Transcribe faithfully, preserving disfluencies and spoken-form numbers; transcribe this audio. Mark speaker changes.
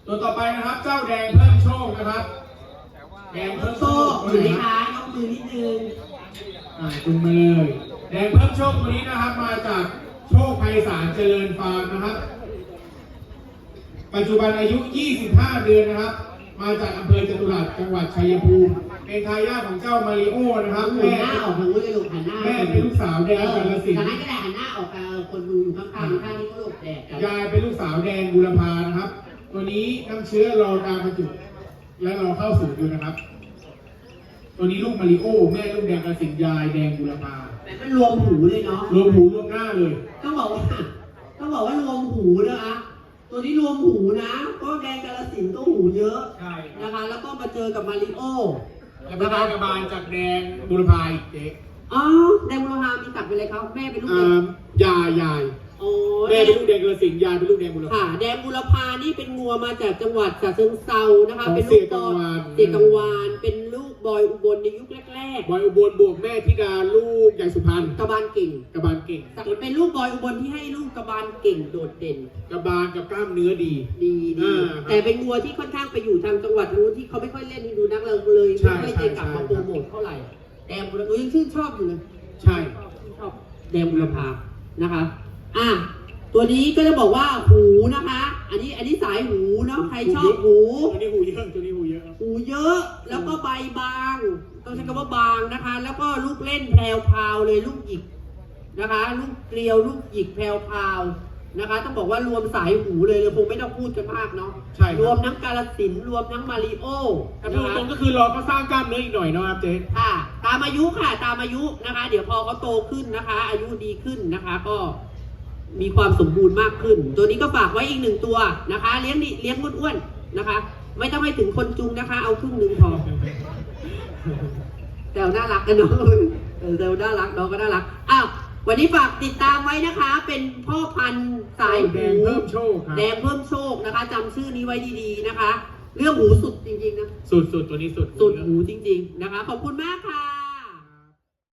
Speaker 1: ตัวต่อไปนะครับเจ้าแดงเพิ่มโชคนะครับแดงเพิ่มโชค
Speaker 2: ถือไหมคะยกมือนิดนึง
Speaker 1: อ่าจุงมาเลยแดงเพิ่มโชคตัวนี้นะครับมาจากโชคไพศาลเจริญฟาร์มนะครับปัจจุบันอายุยี่สิบห้าเดือนนะครับมาจากอำเภอจตุรัสจังหวัดชัยภูมิเป็นทายาทของเจ้ามาริโอนะครับแม่
Speaker 2: หันหน้าออกทางนู้นเลยลูกหันหน้า
Speaker 1: แม่เป็นลูกสาวแดงกาฬสินธุ์
Speaker 2: จากนั้นก็ได้หันหน้าออกกับคนดูอยู่ข้างๆข้างนี้ก็หลบแดด
Speaker 1: ยายเป็นลูกสาวแดงบุรพานะครับตัวนี้น้ำเชื้อรอการบรรจุและรอเข้าสู่อยู่นะครับตัวนี้ลูกมาริโอแม่ลูกแดงกาฬสินธุ์ยายแดงบุรพา
Speaker 2: แต่มันรวมหูเลยเนาะ
Speaker 1: รวมหูรวมหน้าเลย
Speaker 2: ต้องบอกว่าต้องบอกว่ารวมหูนะคะตัวนี้รวมหูนะก็แดงกาฬสินธุ์ก็หูเยอะนะคะแล้วก็มาเจอกับมาริโอ
Speaker 1: แล้วก็ได้กระบาลจากแดงบุรพาเจ๊
Speaker 2: อ๋อแดงบุรพามีตัดไปเลยครับแม่เป็นลูก
Speaker 1: ยายยายแม่เป็นลูกแดงกาฬสินธุ์ยายเป็นลูกแดงบุรพา
Speaker 2: ค่ะแดงบุรพานี่เป็นงัวมาจากจังหวัดฉะเชิงเทรานะคะเป็นลูกบอยเสียกังวานเป็นลูกบอยอุบลในยุคแรก
Speaker 1: ๆบอยอุบลบวกแม่ธิดาลูกใหญ่สุพรรณ
Speaker 2: กระบาลเก่ง
Speaker 1: กระบาลเก่ง
Speaker 2: เป็นลูกบอยอุบลที่ให้ลูกกระบาลเก่งโดดเด่น
Speaker 1: กระบาลกับกล้ามเนื้อดี
Speaker 2: ดีดีแต่เป็นงัวที่ค่อนข้างไปอยู่ทางจังหวัดนู้นที่เขาไม่ค่อยเล่นดูนักเราเลยไม่ได้กลับมาโปรโมทเท่าไหร่แดงบุรพายังชื่นชอบอยู่เลย
Speaker 1: ใช่
Speaker 2: ชอบแดงบุรพานะคะอ่ะตัวนี้ก็จะบอกว่าหูนะคะ อันนี้อันนี้สายหูเนาะใครชอบหู
Speaker 1: ตัวนี้หูเยอะตัวนี้หูเยอะ
Speaker 2: หูเยอะแล้วก็ใบบางต้องใช้คำว่าบางนะคะ แล้วก็ลูกเล่นแพรวพาวเลยลูกหยิกนะคะลูกเกลียวลูกหยิกแพรวพาวนะคะต้องบอกว่ารวมสายหูเลยเลยคงไม่ต้องพูดกันมากเนาะ
Speaker 1: ใช่
Speaker 2: รวมทั้งกาฬสินธุ์รวมทั้งมาริโอ
Speaker 1: นะคะตรงก็คือรอเขาสร้างกล้ามเนื้ออีกหน่อยเนาะครับเจ๊
Speaker 2: ค่ะตามอายุค่ะตามอายุนะคะ เดี๋ยวพอเขาโตขึ้นนะคะ อายุดีขึ้นนะคะก็มีความสมบูรณ์มากขึ้นตัวนี้ก็ฝากไว้อีกหนึ่งตัวนะคะเลี้ยงดิเลี้ยงอ้วนๆนะคะไม่ต้องให้ถึงคนจุงนะคะเอาครึ่งหนึ่งพอแต่น่ารักกันเนาะแต่น่ารักน้องก็น่ารักอ้าววันนี้ฝากติดตามไว้นะคะเป็นพ่อพันธุ์สาย
Speaker 1: แดงเพิ่มโชค
Speaker 2: แดงเพิ่มโชคนะคะจำชื่อนี้ไว้ดีๆนะคะเรื่องหูสุดจริงๆนะ
Speaker 1: สุดๆตัวนี้สุด
Speaker 2: สุดหูจริงๆนะคะขอบคุณมากค่ะ